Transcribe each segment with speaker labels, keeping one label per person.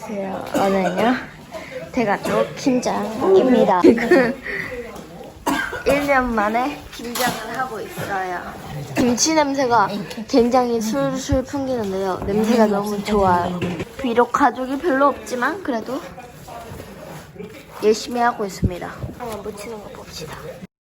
Speaker 1: 안녕하세요. 오늘은요 대가족 김장입니다. 지금 1년 만에 김장을 하고 있어요. 김치 냄새가 굉장히 술술 풍기는데요. 냄새가 너무 좋아요. 비록 가족이 별로 없지만 그래도 열심히 하고 있습니다. 한번 묻히는 거 봅시다.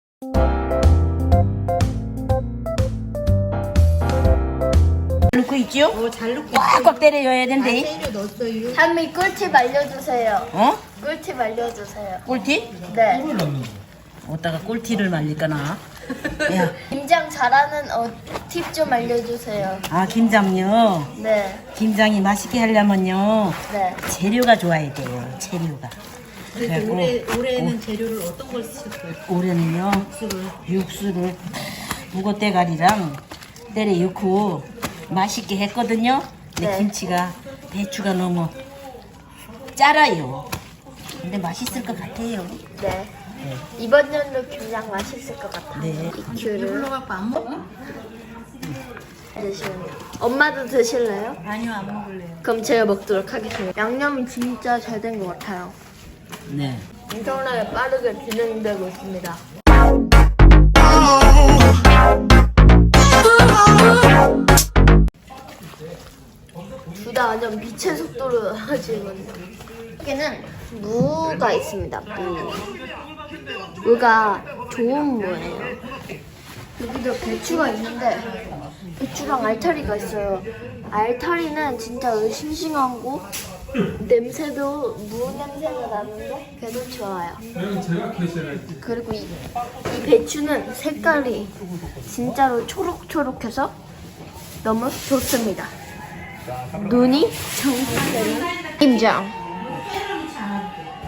Speaker 2: 넣고 있죠?
Speaker 3: 잘 넣고
Speaker 2: 꽉꽉 때려야 된대.
Speaker 3: 때려 넣었어요.
Speaker 1: 할머니 꿀팁 알려주세요.
Speaker 2: 어?
Speaker 1: 꿀팁 알려주세요.
Speaker 2: 꿀티?
Speaker 1: 네.
Speaker 2: 어디다가 꿀티를 말릴까나? 야,
Speaker 1: 김장 잘하는 팁 좀 알려주세요.
Speaker 2: 아 김장요.
Speaker 1: 네.
Speaker 2: 김장이 맛있게 하려면요
Speaker 1: 네.
Speaker 2: 재료가 좋아야 돼요. 재료가. 그래갖고
Speaker 3: 올해는 재료를 어떤 걸 쓰셨어요?
Speaker 2: 올해는요 육수를 무고대가리랑 때려 넣고 맛있게 했거든요. 근데
Speaker 1: 네.
Speaker 2: 김치가 배추가 너무 짜라요. 근데 맛있을 것 같아요.
Speaker 1: 네. 이번 연도 김장 맛있을 것 같아요.
Speaker 2: 네.
Speaker 1: 이큐를
Speaker 3: 불러갖고 안 먹어?
Speaker 1: 드시면 엄마도 드실래요?
Speaker 3: 아니요, 안 먹을래요.
Speaker 1: 그럼 제가 먹도록 하겠습니다. 양념이 진짜 잘 된 것 같아요.
Speaker 2: 네.
Speaker 1: 엄청나게 빠르게 진행되고 있습니다. 둘 다 완전 빛의 속도로 하시거든요. 여기는 무가 있습니다. 무. 무가 좋은 무예요. 여기도 배추가 있는데 배추랑 알타리가 있어요. 알타리는 진짜 싱싱하고 냄새도 무 냄새가 나는데 그래도 좋아요. 그리고 이 배추는 색깔이 진짜로 초록초록해서 너무 좋습니다. 눈이 정상적인 김장.